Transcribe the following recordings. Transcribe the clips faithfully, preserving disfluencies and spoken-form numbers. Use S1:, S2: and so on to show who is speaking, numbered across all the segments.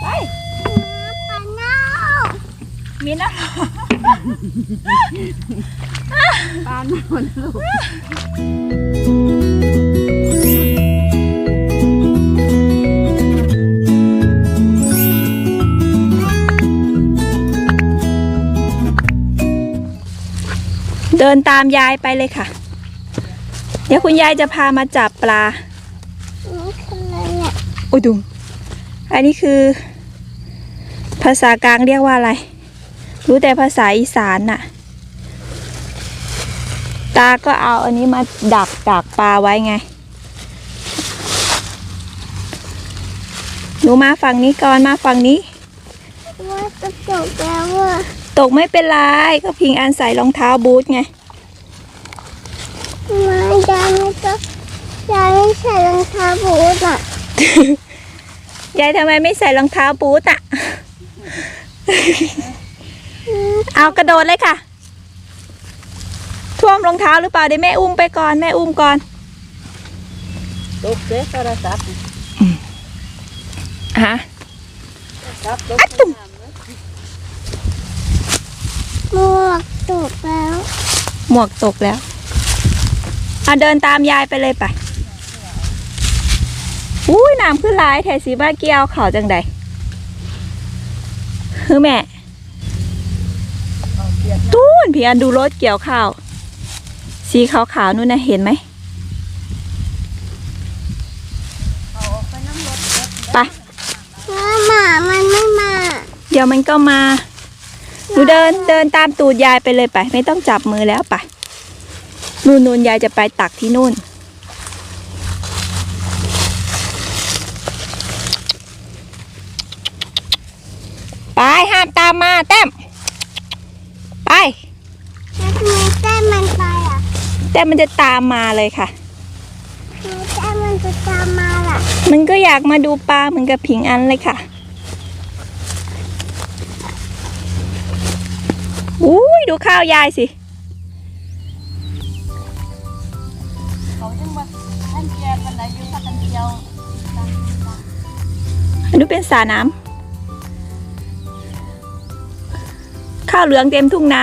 S1: ไป
S2: ปลาเน่า
S1: มีนะ
S2: ปลาเน่าลูก
S1: เดินตามยายไปเลยค่ะเดี๋ยวคุณยายจะพามาจับปลา
S2: นี่คืออะไรเนี่ย
S1: โอ้ยดุงอันนี้คือภาษากลางเรียกว่าอะไรรู้แต่ภาษาอีสานน่ะตาก็เอาอันนี้มาดักดักปลาไว้ไงหนูมาฝั่งนี้ก่อนมาฝั่งนี้
S2: ว่าจะตกแล้วอ่ะ
S1: ตกไม่เป็นไรก็พิงอันใส่รองเท้าบูทไง
S2: ไม่ยายไม่ต้องยายไม่ใส่รองเท้าบูทอ่ะ
S1: ยายทำไมไม่ใส่รองเท้าบูทอ่ะ เอากระโดดเลยค่ะท่วมรองเท้าหรือเปล่าเดี๋ยวแม่อุ้มไปก่อนแม่อุ้มก่อน
S3: ตกเจ๊โทรศัพท์
S1: ฮะ
S2: อัดตุ่มหมวกตกแล้ว
S1: หมวกตกแล้วเอาเดินตามยายไปเลยไปอุ้ยน้ำขึ้นหลายแถสีบ้าเกี้ยวเขาจังใดคือแม่ตู้นพี่อันดูรถเกี่ยวข้าวสีขาวๆนู่นนะเห็นไหมไป
S2: หมามันไม่มา
S1: เดี๋ยวมันก็มาหนูเดินเดินตามตูดยายไปเลยไปไม่ต้องจับมือแล้วไปนู่นนู่นยายจะไปตักที่นู่นไปห้ามตามมาแต้มไป
S2: แล้วทำไมแต้มมันไปอ่ะ
S1: แต้มมันจะตามมาเลยค่ะ
S2: ทำไมแต้มมันจะตามมาล่ะ
S1: มันก็อยากมาดูปลาเหมือนกับผิงอันเลยค่ะอุ้ยดูข้าวยายสิ
S3: เขายังว่าท่านเกียร์กันไหนอยู่พักกันเที่ยว
S1: อันนี้เป็นสระน้ำข้าวเหลืองเต็มทุ่งนา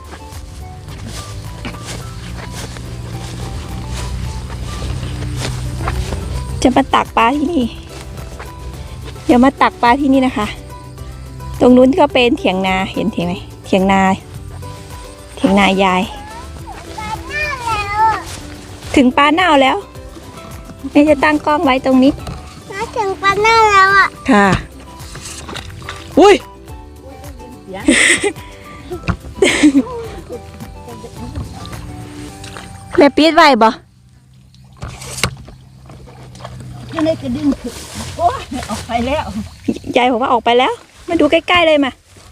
S1: จะมาตักปลาที่นี่เดี๋ยวมาตักปลาที่นี่นะคะตรงนู้นก็เป็นเถียงนาเห็นเถียงไหมเถียงนาเถียงนายายถึงปลาเน่าแล้วแม่จะตั้งกล้องไว้ตรงนี้
S2: มาถึงปลาเน่าแล้วอ่ะ
S1: ค่ะอุ้ยแม่ปี๊ดไว้บ่
S3: ยังไงก็ดึงขึ้นโอ้ยออกไปแล้ว
S1: ยายบอกว่าออกไปแล้วมาดูใกล้ๆเลยมา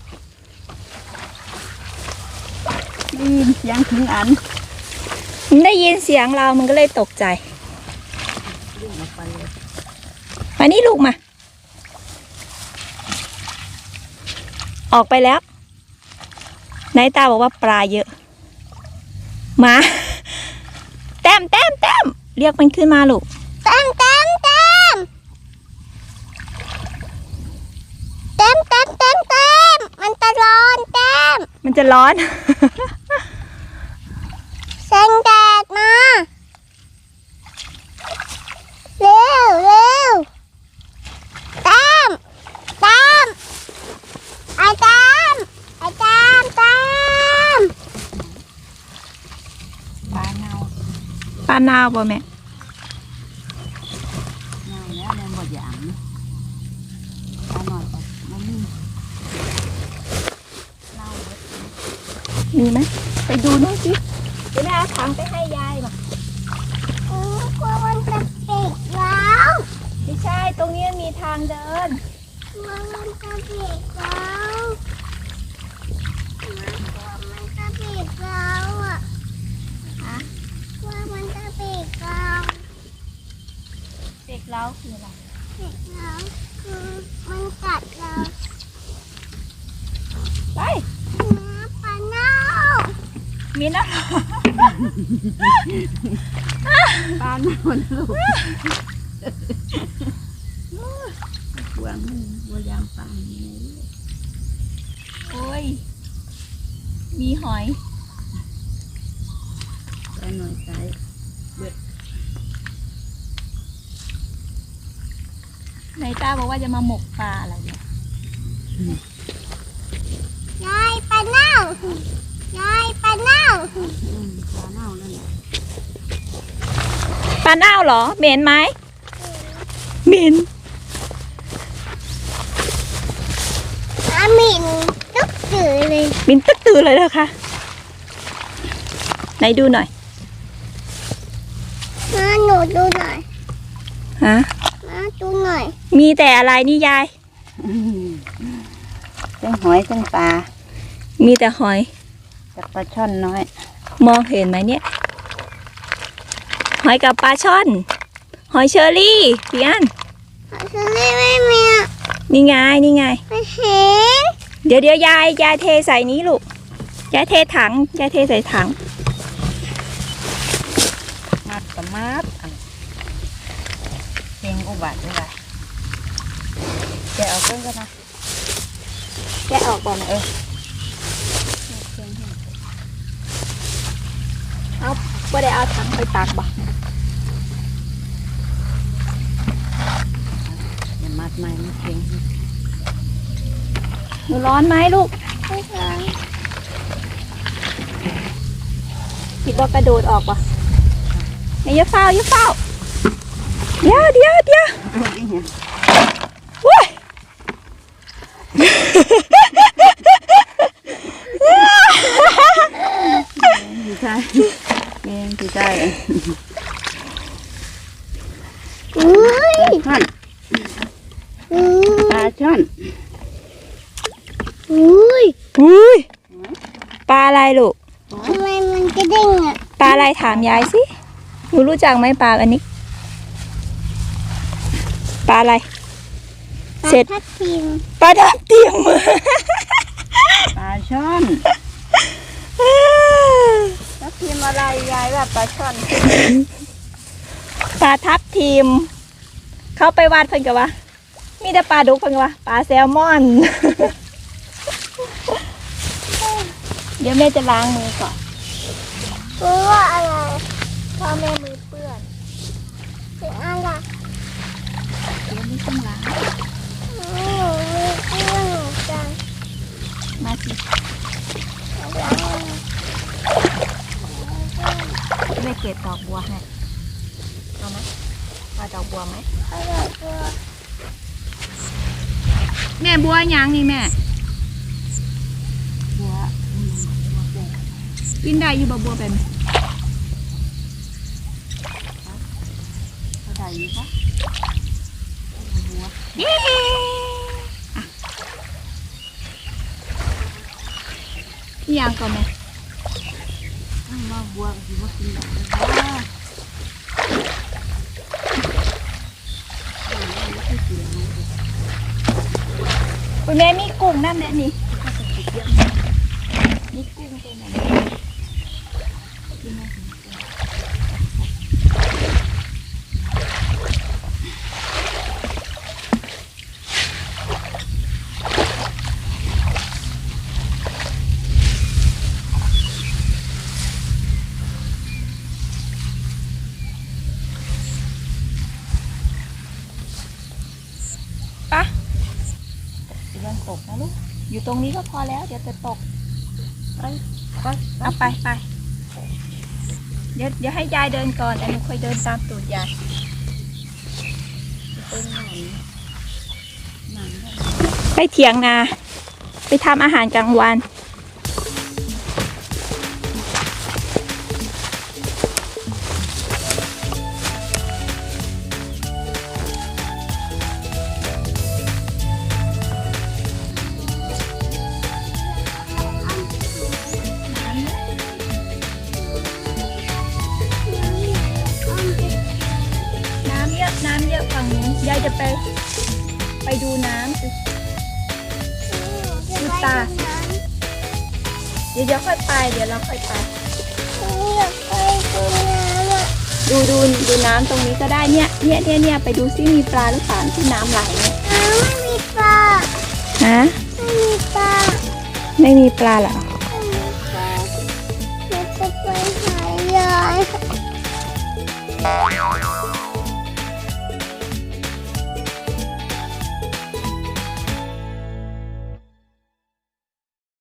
S3: ได้ยินเสียงถึงอัน
S1: ได้ยินเสียงเรามันก็เลยตกใจมานี่ลูกมาออกไปแล้วนายตาบอกว่าปลาเยอะมาแต้มแต้มแต้มเรียกมันขึ้นมาลูก
S2: แต้มแต้มแต้มแต้มแต้มแต้มแต้มมันจะร้อนแต้ม
S1: มันจะร้อน
S2: แสงแดดมาเร็วเร็วแต้มแต้มไอ้แต้มไอ้แต้มแต้ม
S3: ปลาเน่า
S1: ปลาเน่าป่ะแม่
S3: เน่าแล้วแม่หมดอย่างนะปลาหน่อยก่อนมันมีเน่า
S1: มีไหมไปดูนู่นสิเดี๋ยวแม่เอาถังไปให้ยายมา
S2: เออกลัวมันจะปิดแล้ว
S1: ไม่ใช่ตรงนี้มีทางเดิน
S2: กลัวมันจะปิดแล้วกลัวมันจะปิดแล้วอ่ะ
S1: ฮะ
S2: กลัวมันจะปิดแล้ว
S1: เด็กเล้าคืออะไร
S2: ปิดแล้วคือมันกัดเรา
S1: ไป
S2: น้ำปลาเน่า
S1: มีนะ
S3: ปลาเน่าลูกหวงบัวยางปลา
S1: มีหอย
S3: ปลาหน่อยใส่เบิด
S1: นายตาบอกว่าจะมาหมกปลาอะไรเนี่ย
S2: ยายปลาเน่ายายปลาเน่า
S3: อืมปลาเน่านั่นแหละ
S1: ปลาเน่าเหรอเหม็นไหมเหม็น
S2: อาหมินตึ๊กจืดเลย
S1: เหม็นตึ๊กตือเลยนะคะไหนดูหน่อย
S2: มาหนูดูหน่อย
S1: ฮะ
S2: มาดูหน่อย
S1: มีแต่อะไรนี่ยาย
S3: อืมทั้งหอยทั้งปลา
S1: มีแต่หอย
S3: กับปลาช่อนน้อย
S1: มองเห็นไหมเนี่ย หอยกับปลาช่อน หอยเชอรี่พี่อัน
S2: ฉันไม่ไม่มีอ่ะ
S1: นี่ไงนี่ไง
S2: ไม่เห็น
S1: เดี๋ยวเดี๋ยวยายยายเทใส่นี้ลูกยายเทถังยายเทใส่ถัง
S3: มัดกับมัดอันเพลงอุบัติด้วยว่ะแกะเอาเพิ่งกันนะ
S1: แกะออกก่อนนะเออเอาไม่ได้เอาถังไปตากบ่
S3: อย่ามัดไม้ไม่เพลง
S1: หนูร้อนไหมลูก
S2: ไม่เห็น
S1: คิดว่ากระโดดออกป่ะเนี่ยอย่าเฝ้าอย่าเฝ้าเดี๋ยวเดี๋ยวเดี๋ยวว้ย
S3: ดีใจแกงดีใจ
S2: อุ้ย
S3: ช่อน
S2: อุ้
S3: ปลาย ช่อน
S2: อุ้ย
S1: อุ้ยปลาอะไรลูก
S2: ทำไมมันกระเด้งอ่ะ
S1: ปลาอะไรถามยายสิหนูรู้จักไหมปลาอันนี้ปลาอะไร
S2: ปลา
S1: เสร็จ
S2: ทับทิม
S1: ปลาทับทิม
S3: ปลาช่อน
S1: ทับทิมอะไรยายแบบปลาช่อนปลาทับทิมเขาไปวาดเพิ่นกันวะมีแต่ปลาดุกเพิ่นกันวะปลาแซลมอน เดี๋ยวแม่จะล้างมือก่อน
S2: รู้ว่าอะไร
S1: พ่อแม่มือเปื้อน
S2: คืออะไร
S1: เดี๋ยวไม่ต้องล้าง
S2: หนูมีเพื่อนเหมือนกัน
S1: มาสิ
S2: ล้าง
S1: แม่เก็บดอกบัวให้เอาไหมเอาดอกบัวไหม
S2: เอาแบบตัว
S1: แม่บัวยังนี่แม่
S3: บัวอืมบัวแดง
S1: กินได้อยู่บ่บัวเป็น
S3: เท่าไหร่นี่คะบัว
S1: เย้อ่ะยังก่อนแม่
S3: อ้าวว่าบัวคือว่ากินแบบนี้ว่า
S1: คุณแม่มีกุ้งนั่นแหละนี่มีกุ้งตัวไหนปะเรื่องตกนะลูก อยู่ตรงนี้ก็พอแล้ว เดี๋ยวจะตก
S3: ไปไป
S1: เอาไปไปเดี๋ยวเดี๋ยวให้ยายเดินก่อนแต่หนูค่อยเดินตามตูดยาย
S3: เป็นหนังหนัง
S1: ไปเถียงนา ไปทำอาหารกลางวัน น้ำเยอะ น้ำเยอะฝั่งนู้นยายจะไป ไปดูน้ำสิ ดูตา เดี๋ยวเดี๋ยวค่อยไป เดี๋ยวเราค่อยไป
S2: อยากไปดูน้ำอ่ะ
S1: ดูดูดูน้ำตรงนี้ก็ได้เนี่ยเนี่ยเนี่ยเนี่ยไปดูซิมีปลาหรือเปล่าที่น้ำไหลเนี่ย
S2: น้ำไม่มีปลา
S1: ฮะ
S2: ไม่มีปลา
S1: ไม่มีปลาเหรอ
S2: ไม่มีปลา
S3: เ